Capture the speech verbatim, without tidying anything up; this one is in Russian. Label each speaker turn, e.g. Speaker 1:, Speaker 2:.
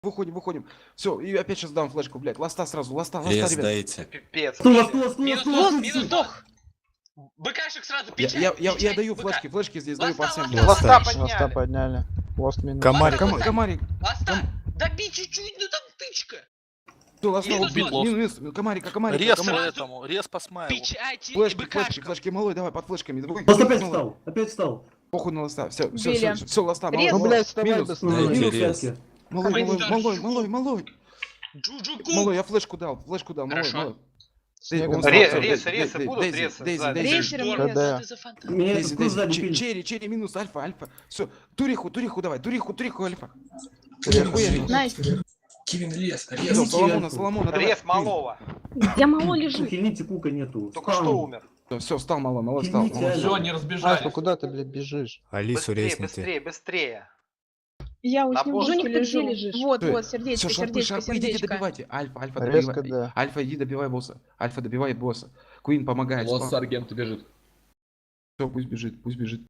Speaker 1: Выходим, выходим. Все, и опять сейчас дам флешку, блядь. Ласта сразу, ласта, ласта,
Speaker 2: Лес
Speaker 1: ребят.
Speaker 2: дайте.
Speaker 3: Пипец.
Speaker 4: Стой,
Speaker 3: вообще.
Speaker 4: стой, стой,
Speaker 3: Минус
Speaker 4: стой,
Speaker 3: дох,
Speaker 4: стой,
Speaker 3: минус
Speaker 4: стой.
Speaker 3: дох. БКшек сразу,
Speaker 1: Я,
Speaker 3: печать,
Speaker 1: я, я, я
Speaker 3: печать,
Speaker 1: даю
Speaker 3: БК.
Speaker 1: флешки, флешки здесь даю по
Speaker 3: Ласта,
Speaker 1: всем.
Speaker 3: ласта,
Speaker 2: Ласта.
Speaker 3: ласта
Speaker 5: Ласта
Speaker 3: подняли.
Speaker 5: подняли. Ласт минус.
Speaker 2: Комарик.
Speaker 1: Ком, комарик.
Speaker 3: Ласта, добей чуть-чуть, ну там тычка.
Speaker 1: Все, ласта
Speaker 3: Минус
Speaker 1: убил.
Speaker 3: лост.
Speaker 1: Минус, минус. Комарика, комарика,
Speaker 6: Рез
Speaker 1: комарика.
Speaker 6: этому, рез по смайлу.
Speaker 3: Печати и
Speaker 1: Флешки, флешки,
Speaker 3: БКшка.
Speaker 1: флешки, малой, давай, под флешками. Давай,
Speaker 4: Ласт опять
Speaker 1: малой.
Speaker 4: встал, опять встал.
Speaker 1: Похуй на ласта. Все, все,
Speaker 7: Убили.
Speaker 1: все, все, ласта, малой.
Speaker 7: Рез.
Speaker 5: Ну,
Speaker 1: малой.
Speaker 5: блядь, вставай
Speaker 1: Минус.
Speaker 5: без
Speaker 4: Ну,
Speaker 2: Дайте
Speaker 4: минус
Speaker 2: рез.
Speaker 4: пятки.
Speaker 1: Малой, малой,
Speaker 3: Ай,
Speaker 1: малой,
Speaker 3: да,
Speaker 1: малой, малой.
Speaker 3: Джуджуку.
Speaker 1: Малой, я флешку дал, флешку дал, малой,
Speaker 3: Хорошо.
Speaker 1: малой.
Speaker 5: Снегом
Speaker 1: Он
Speaker 5: Ре-
Speaker 1: встал,
Speaker 3: Рез,
Speaker 1: всё,
Speaker 3: рез,
Speaker 1: Дей-
Speaker 3: рез,
Speaker 1: Дей-
Speaker 3: будут
Speaker 1: Дейзи,
Speaker 3: резы
Speaker 1: Дейзи,
Speaker 3: сзади.
Speaker 1: Дейзи.
Speaker 7: Рейшером
Speaker 3: Здорово,
Speaker 7: рез.
Speaker 3: что ты за фантазия?
Speaker 4: Меня
Speaker 1: Дейзи,
Speaker 4: тут кто сзади
Speaker 1: Дейзи. Че-
Speaker 4: пилит?
Speaker 1: Черри, черри, минус, альфа, альфа. Все, туриху, туриху давай, туриху, туриху, альфа.
Speaker 7: Найс.
Speaker 8: Кивин лес,
Speaker 1: Всё,
Speaker 8: рез.
Speaker 1: Соломона, Соломона, давай.
Speaker 3: Рез малого.
Speaker 7: Я мало лежу.
Speaker 4: Хильните, кука нету.
Speaker 3: Только
Speaker 4: Спам.
Speaker 3: что умер.
Speaker 1: Все, встал, малой, малой, встал.
Speaker 4: Хильните,
Speaker 1: малой.
Speaker 4: алло.
Speaker 8: Все, не
Speaker 5: Альфа,
Speaker 8: разбежались.
Speaker 5: куда ты, блядь, бежишь?
Speaker 2: Алису
Speaker 3: Быстрее,
Speaker 2: резните.
Speaker 3: быстрее, быстрее.
Speaker 7: Я у
Speaker 3: На
Speaker 7: снегу
Speaker 3: босса.
Speaker 7: лежу.
Speaker 3: Где
Speaker 7: лежу. лежишь? Вот,
Speaker 1: Всё,
Speaker 7: вот,
Speaker 1: Все,
Speaker 7: сердечко,
Speaker 1: шарпы,
Speaker 7: сердечко,
Speaker 1: шарпы, идите
Speaker 7: сердечко.
Speaker 1: добивайте. Альфа, альфа,
Speaker 5: Резко,
Speaker 1: добивай.
Speaker 5: да.
Speaker 1: Альфа, иди добивай босса. Альфа, добивает босса. Куин помогает.
Speaker 8: Вот с аргенту бежит.
Speaker 1: Все, пусть бежит, пусть бежит.